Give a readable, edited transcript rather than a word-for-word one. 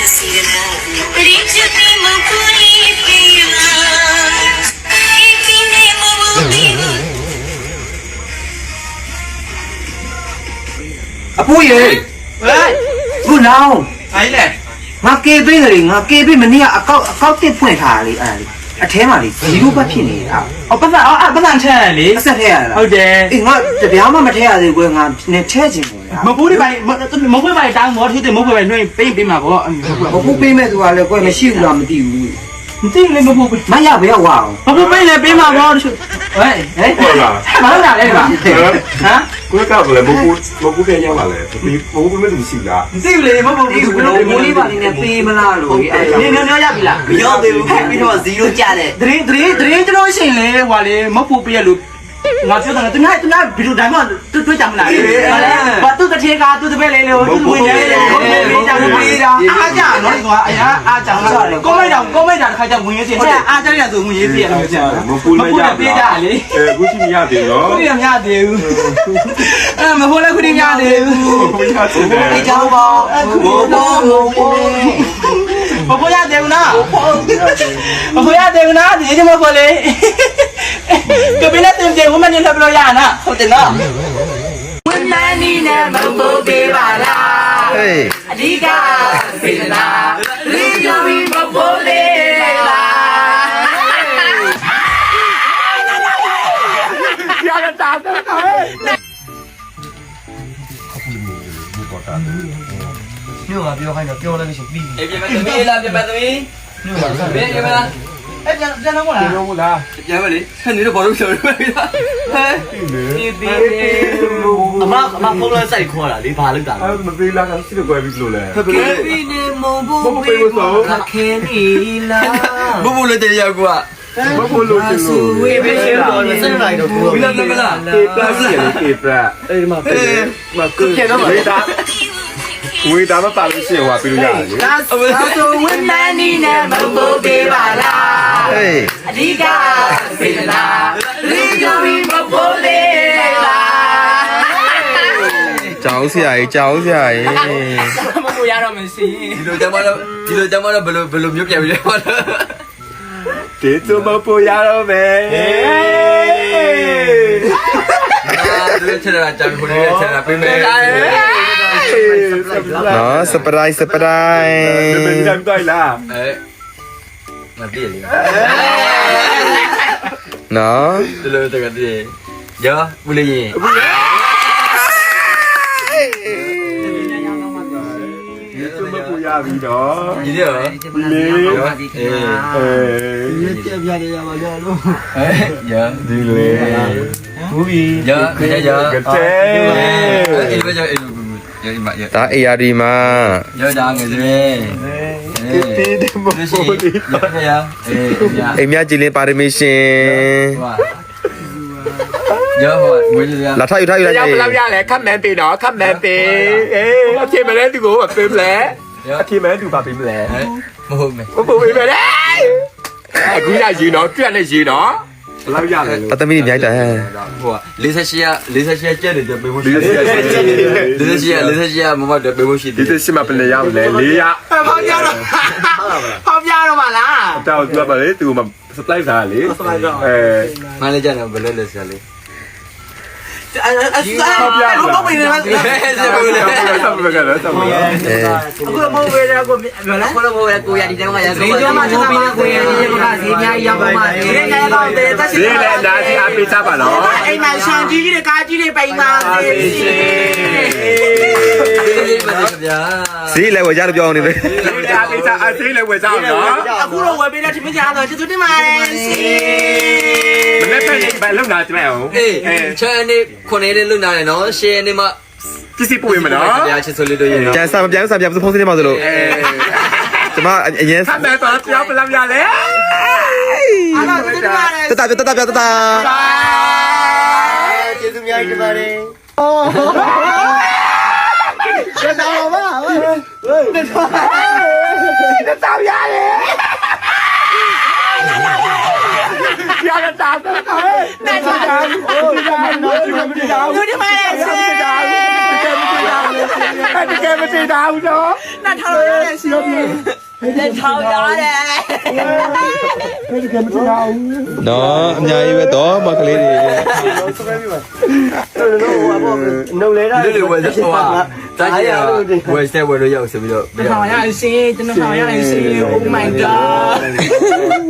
Apo ye. Cô nào? Ai nè? Ngã kê bê rồi, ngã kê bê mình đi à cao tiếp point thả đi à. À thế mà đi, gì cũng bắt phiền đi à. Bắt ăn thế này. Sao thế à? Ok. Ngã để béo mà thế à thì quên ngã nên thế gì rồi. Mà bố đi bài, mà bố bài đang ngó thì bố bài nuôi bê mà bố. Bố bê mẹ tụi là quên mà siêu làm mà tiêu. Tin lên bố bê. Mà ya béo vào. Bố bê là bê mà bố. Ê, mà nó đây mà. Hả? Cuối cùng là một cái nhau mà lại một cái mấy thùng xịn đã. Tin lên bố bê. Bố đi vào này bê mà là rồi. Nhớ ya bị là. Nhớ về bây giờ gì luôn cha đấy. Dream cho nó xin lên, hòa lên, mất phụ bê luôn. Ngọt chưa thằng tôi nói ví dụ đánh mà tôi chậm lại và tôi cái cả tôi về lấy tôi muốn nhảy chả nói quá chả có mấy đàn khai chậm muốn nhảy chả là rồi muốn nhảy gì Một phút mới ra đi cú chim nhà tiền đó. cú đi nhà tiền mà hôm nay cú đi nhà tiền Đi chào bò. mà cô nhà tiền nó thì chứ mà cô lấy cái bên này tiền tiền của mình làm rồi à nè không tiền đó hôm nay đi nè mà bố bê bà la đi cả phi la đi cho mình mà bố bê la ya đã tao rồi Nhưng mà biểu hay là biểu lên cái gì? Em làm cho tôi biết cái mà em ra nó là Không là. dạ mà đi hình như nó bỏ đúng rồi đó mà không lên say khoa là đi phá lưng tảng Mà vì là cái sự quay video này. cái video mô bố bê là khen ý là bố bố lên tiền giờ qua Bố bố luôn tiền luôn. cái video đó là sao này đâu cũng biết là Kịp ra. Mà cứ Ui ta nó tạo được chuyện hòa video nhà chứ. tôi muốn nay đi nè mà bố bê bà la đi cả phi la đi cho mình mà bố bê la cháu dạy mà mua ra rồi mình xí thì tôi chẳng bao belum nhúc nhảy vậy Thế cho mà bố nhà đâu về. tôi chơi là chẳng có này chơi là bên mẹ nó surprise Bên trong tôi là. mà đi liền nó tôi cái gì giờ bù lì gì Cho mà bố nhà vì đó. gì đấy hả giờ Đi lên. giờ Cái chế. bây giờ giờ bạn giờ ta đi mà giờ đang người gì Tí đi một bố đi. em nhá chỉ lên permission giờ rồi mới giờ là thay là gì làm ra lẽ khám mẹ nó khám mẹ khi mà lên tôi ngủ mà phim lẽ khi mà tôi vào phim lẽ một hôm này bố phim lẽ đấy cũng là gì nó chuyện này gì đó làm ra lẽ ta mới nhảy trời Lý Sa Chia chơi để được bê bô Lý Sa Chia mà được bê bô xịt Lý Sa Chia mà bên này làm lẽ lý á không ra đâu mà là tao mà lấy từ mà slide ra lý mai lên chơi nào bên lên chơi lý không bị nữa aku mau beda aku mau aku yang di dalam ya Video mà chúng ta bây giờ quay đi mà gì nha yêu mà thế này đâu để ta lý lẽ đã thì ăn pizza mà nó em mà sang chỉ để cá chỉ để bay mà xí lại quay ra được cho này vậy lý lẽ pizza ăn xí lại quay sao đó aku đâu quay bên đây thì mới ra rồi chứ tôi đi mà mình lấy cái bạn lúc nào chứ mày không chơi đi con này lên lúc nào này nó xe đi mà cái gì bụi mà nó ya chỉ solid rồi chàng sao tôi không thấy bao giờ rồi chứ mà anh nhé thằng này tao kéo mình làm ra đấy ta chơi chung nhau đi mà đi cái sao mà cái sao ra đấy ya cái sao tôi đi mà ပေးတာဘူးနော်那ထောက်ရတယ်ရှင်လက်ထောက်ရတယ်ဘယ်ကမှမထောက်ဘူးနော်အများကြီးပဲတော့မကလေးတွေနှုတ်လဲတာလူတွေဝယ်တော့ဟာတားရဝယ်စတဲ့ဝယ်လို့ရောက်ဆိုပြီးတော့ထောက်ရတယ်ရှင်ကျွန်တော်ထောက်ရတယ်ရှင် Oh my god